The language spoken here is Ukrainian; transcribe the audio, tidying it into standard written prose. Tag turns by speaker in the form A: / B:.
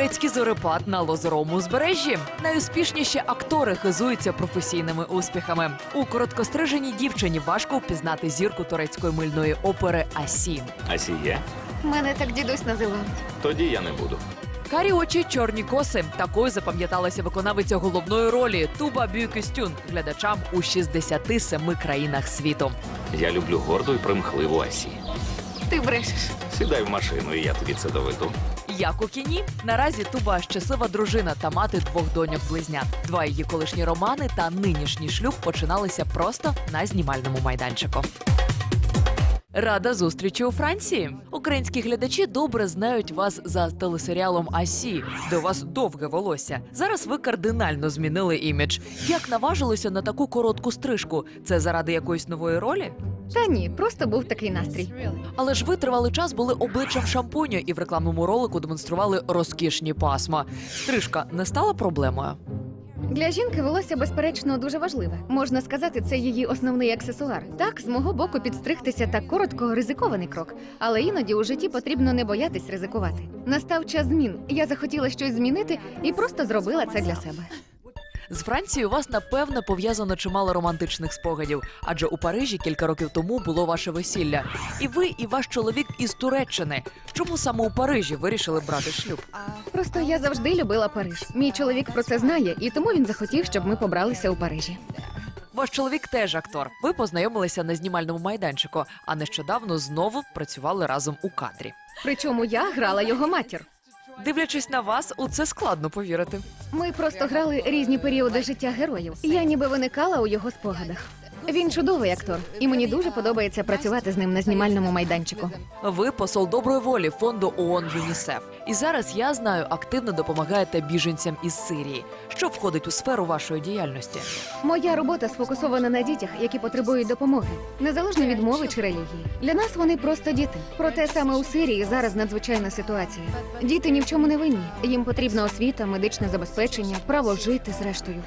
A: Турецький зорепад на лозоровому узбережжі. Найуспішніші актори хизуються професійними успіхами. У короткостриженій дівчині важко впізнати зірку турецької мильної опери Асі.
B: Асіє?
C: Мене так дідусь називав.
B: Тоді я не буду.
A: Карі очі, чорні коси. Такою запам'яталася виконавиця головної ролі Туба Бюкюстюн глядачам у 67 країнах світу.
B: Я люблю горду і примхливу Асі.
C: Ти брешеш.
B: Сідай в машину, і я тобі це доведу.
A: Як у кіні, наразі Туба щаслива дружина та мати 2 доньок-близнят. 2 її колишні романи та нинішній шлюб починалися просто на знімальному майданчику. Рада зустрічі у Франції. Українські глядачі добре знають вас за телесеріалом «Асі», де у вас довге волосся. Зараз ви кардинально змінили імідж. Як наважилися на таку коротку стрижку? Це заради якоїсь нової ролі?
C: Та ні, просто був такий настрій.
A: Але ж ви тривалий час були обличчям шампуню і в рекламному ролику демонстрували розкішні пасма. Стрижка не стала проблемою?
C: Для жінки волосся, безперечно, дуже важливе. Можна сказати, це її основний аксесуар. Так, з мого боку, підстригтися так коротко – ризикований крок. Але іноді у житті потрібно не боятись ризикувати. Настав час змін. Я захотіла щось змінити і просто зробила це для себе.
A: З Францією у вас, напевне, пов'язано чимало романтичних спогадів, адже у Парижі кілька років тому було ваше весілля. І ви, і ваш чоловік із Туреччини. Чому саме у Парижі вирішили брати шлюб?
C: Просто я завжди любила Париж. Мій чоловік про це знає, і тому він захотів, щоб ми побралися у Парижі.
A: Ваш чоловік теж актор. Ви познайомилися на знімальному майданчику, а нещодавно знову працювали разом у кадрі.
C: Причому я грала його матір.
A: Дивлячись на вас, у це складно повірити.
C: Ми просто грали різні періоди життя героїв. Я ніби виникала у його спогадах. Він чудовий актор, і мені дуже подобається працювати з ним на знімальному майданчику.
A: Ви посол доброї волі фонду ООН ЮНІСЕФ. І зараз, я знаю, активно допомагаєте біженцям із Сирії. Що входить у сферу вашої діяльності?
C: Моя робота сфокусована на дітях, які потребують допомоги, незалежно від мови чи релігії. Для нас вони просто діти. Проте саме у Сирії зараз надзвичайна ситуація. Діти ні в чому не винні. Їм потрібна освіта, медичне забезпечення, право жити зрештою.